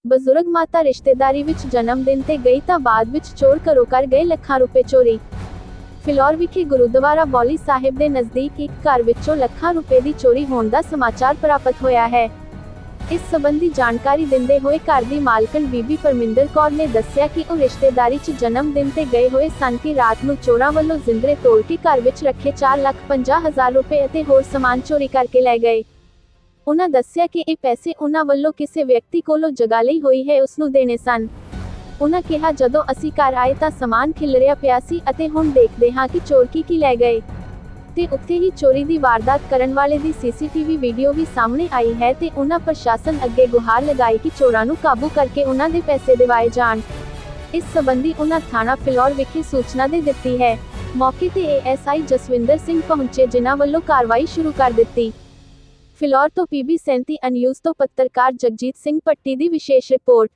ਬਜ਼ੁਰਗ ਮਾਤਾ ਰਿਸ਼ਤੇਦਾਰੀ ਵਿੱਚ ਜਨਮ ਦਿਨ ਤੇ ਗਈ ਤਾਂ ਬਾਅਦ ਵਿੱਚ ਚੋਰ ਘਰੋਂ ਕਰ ਗਏ ਲੱਖਾਂ ਰੁਪਏ ਚੋਰੀ। ਫਿਲੌਰ ਵਿਖੇ ਗੁਰਦੁਆਰਾ ਬੌਲੀ ਸਾਹਿਬ ਦੇ ਨਜ਼ਦੀਕ ਇੱਕ ਘਰ ਵਿੱਚੋਂ ਲੱਖਾਂ ਰੁਪਏ ਦੀ ਚੋਰੀ ਹੋਣ ਦਾ ਸਮਾਚਾਰ ਪ੍ਰਾਪਤ ਹੋਇਆ ਹੈ। ਇਸ ਸੰਬੰਧੀ ਜਾਣਕਾਰੀ ਦਿੰਦੇ ਹੋਏ ਘਰ ਦੀ ਮਾਲਕਣ ਬੀਬੀ ਪਰਮਿੰਦਰ ਕੌਰ ਨੇ ਦੱਸਿਆ ਕਿ ਉਹ ਰਿਸ਼ਤੇਦਾਰੀ 'ਚ ਜਨਮ ਦਿਨ ਤੇ ਗਏ ਹੋਏ ਸਨ ਕਿ ਰਾਤ ਨੂੰ ਚੋਰਾਂ ਵੱਲੋਂ ਜ਼ਿੰਦਰੇ ਤੋੜ ਕੇ ਘਰ ਵਿੱਚ ਰੱਖੇ 4,50,000 ਰੁਪਏ ਅਤੇ ਹੋਰ ਸਮਾਨ ਚੋਰੀ ਕਰਕੇ ਲੈ ਗਏ। ਉਨ੍ਹਾਂ ਦੱਸਿਆ ਕਿ ਇਹ ਪੈਸੇ ਉਨ੍ਹਾਂ ਵੱਲੋਂ ਕਿਸੇ ਵਿਅਕਤੀ ਕੋਲੋਂ ਜਗ੍ਹਾ ਲਈ ਹੋਈ ਹੈ ਉਸ ਨੂੰ ਦੇਣੇ ਸਨ। ਉਨ੍ਹਾਂ ਕਿਹਾ ਜਦੋਂ ਅਸੀਂ ਘਰ ਆਏ ਤਾਂ ਸਮਾਨ ਖਿਲਰਿਆ ਪਿਆ ਸੀ ਅਤੇ ਹੁਣ ਦੇਖਦੇ ਹਾਂ ਕਿ ਚੋਰ ਕੀ ਲੈ ਗਏ ਤੇ ਉੱਥੇ ਹੀ ਚੋਰੀ ਦੀ ਵਾਰਦਾਤ ਕਰਨ ਵਾਲੇ ਦੀ ਸੀਸੀਟੀਵੀ ਵੀਡੀਓ ਵੀ ਸਾਹਮਣੇ ਆਈ ਹੈ ਤੇ ਉਨ੍ਹਾਂ ਪ੍ਰਸ਼ਾਸਨ ਅੱਗੇ ਗੁਹਾਰ ਲਗਾਈ ਕਿ ਚੋਰਾਂ ਨੂੰ ਕਾਬੂ ਕਰਕੇ ਉਨ੍ਹਾਂ ਦੇ ਪੈਸੇ ਦਿਵਾਏ ਜਾਣ। ਇਸ ਸੰਬੰਧੀ ਉਨ੍ਹਾਂ ਥਾਣਾ ਫਿਲੌਰ ਵਿਖੇ ਸੂਚਨਾ ਦੇ ਦਿੱਤੀ ਹੈ। ਮੌਕੇ ਤੇ ਏਐਸਆਈ ਜਸਵਿੰਦਰ ਸਿੰਘ ਪਹੁੰਚੇ ਜਿਨ੍ਹਾਂ ਵੱਲੋਂ ਕਾਰਵਾਈ ਸ਼ੁਰੂ ਕਰ ਦਿੱਤੀ। ਫਿਲੌਰ ਤੋਂ PB 37 ਨਿਊਜ਼ ਤੋਂ ਪੱਤਰਕਾਰ ਜਗਜੀਤ ਸਿੰਘ ਪੱਟੀ ਦੀ ਵਿਸ਼ੇਸ਼ ਰਿਪੋਰਟ।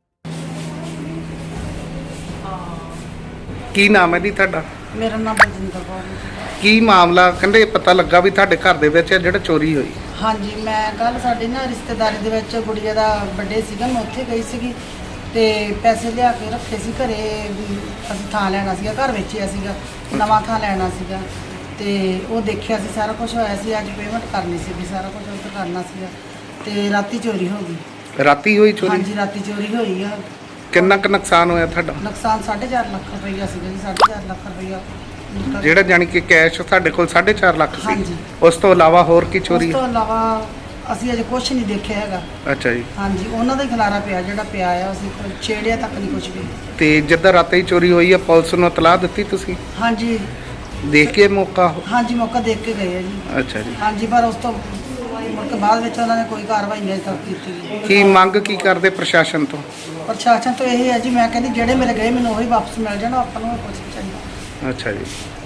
ਕੀ ਨਾਮ ਹੈ ਜੀ ਤੁਹਾਡਾ? ਮੇਰਾ ਨਾਮ ਬਲਜਿੰਦਰ ਕੌਰ ਹੈ। ਕੀ ਮਾਮਲਾ ਕਹਿੰਦੇ ਪਤਾ ਲੱਗਾ ਵੀ ਤੁਹਾਡੇ ਘਰ ਦੇ ਵਿੱਚ ਜਿਹੜਾ ਚੋਰੀ ਹੋਈ? ਹਾਂਜੀ, ਮੈਂ ਕੱਲ ਸਾਡੇ ਨਾ ਰਿਸ਼ਤੇਦਾਰੀ ਦੇ ਵਿੱਚ ਗੁੜੀਆ ਦਾ ਬਰਥਡੇ ਸੀਗਾ, ਮੈਂ ਉੱਥੇ ਗਈ ਸੀਗੀ ਤੇ ਪੈਸੇ ਲਿਆ ਕੇ ਰੱਖੇ ਸੀ ਘਰੇ। ਅਸੀਂ ਥਾਂ ਲੈਣਾ ਸੀਗਾ, ਘਰ ਵੇਚਿਆ ਸੀਗਾ, ਨਵਾਂ ਥਾਂ ਲੈਣਾ ਸੀਗਾ ਤੇ ਉਹ ਦੇਖਿਆ ਸੀ ਸਾਰਾ ਕੁਝ ਹੋਇਆ ਸੀ। ਅੱਜ ਪੇਮੈਂਟ ਕਰਨੀ ਸੀਗੀ, ਸਾਰਾ ਕੁਝ ਉੱਥੇ ਕਰਨਾ ਸੀਗਾ ਤੇ ਰਾਤੀ ਚੋਰੀ ਹੋ ਗਈ। ਰਾਤੀ ਹੋਈ ਚੋਰੀ? ਹਾਂਜੀ, ਰਾਤੀ ਚੋਰੀ ਹੋਈ ਆ। ਕਿੰਨਾ ਕੁ ਨੁਕਸਾਨ ਹੋਇਆ ਤੁਹਾਡਾ? ਨੁਕਸਾਨ 4.5 ਲੱਖ ਰੁਪਈਆ ਸੀਗਾ ਜੀ। 4.5 ਲੱਖ ਰੁਪਈਆ ਜਿਹੜਾ ਜਾਨੀ ਕਿ ਕੈਸ਼ ਸਾਡੇ ਕੋਲ 4.5 ਲੱਖ ਸੀ। ਹਾਂਜੀ। ਉਸ ਤੋਂ ਇਲਾਵਾ ਹੋਰ ਕੀ ਚੋਰੀ? ਉਸ ਤੋਂ ਇਲਾਵਾ ਅਸੀਂ ਅਜੇ ਕੁਝ ਨਹੀਂ ਦੇਖਿਆ ਹੈਗਾ। ਅੱਛਾ ਜੀ। ਹਾਂਜੀ, ਉਹਨਾਂ ਦਾ ਹੀ ਖਿਲਾਰਾ ਪਿਆ ਜਿਹੜਾ ਪਿਆ ਆ, ਅਸੀਂ ਛੇੜਿਆ ਤੱਕ ਨਹੀਂ ਕੁਝ ਵੀ। ਤੇ ਜਿੱਦਾਂ ਰਾਤੀ ਹੀ ਚੋਰੀ ਹੋਈ ਆ ਪੁਲਿਸ ਨੂੰ ਇਤਲਾਹ ਦਿੱਤੀ ਤੁਸੀਂ? ਹਾਂਜੀ, ਦੇਖ ਕੇ ਮੌਕਾ? ਹਾਂਜੀ, ਮੌਕਾ ਦੇਖ ਕੇ ਗਏ ਆ ਜੀ। ਅੱਛਾ ਜੀ। ਹਾਂਜੀ, ਪਰ ਉਸ ਤੋਂ ਮੁੜ ਕੇ ਬਾਅਦ ਵਿੱਚ ਉਹਨਾਂ ਨੇ ਕੋਈ ਕਾਰਵਾਈ ਨਹੀਂ ਤੱਕ ਕੀਤੀ। ਕੀ ਮੰਗ ਕੀ ਕਰਦੇ ਪ੍ਰਸ਼ਾਸਨ ਤੋਂ? ਪ੍ਰਸ਼ਾਸਨ ਤੋਂ ਇਹ ਹੈ ਜੀ, ਮੈਂ ਕਹਿੰਦੀ ਜਿਹੜੇ ਮੇਰੇ ਗਏ ਮੈਨੂੰ ਉਹੀ ਵਾਪਸ ਮਿਲ ਜਾਣ, ਆਪਾਂ ਨੂੰ ਕੁਝ ਚਾਹੀਦਾ। ਅੱਛਾ ਜੀ।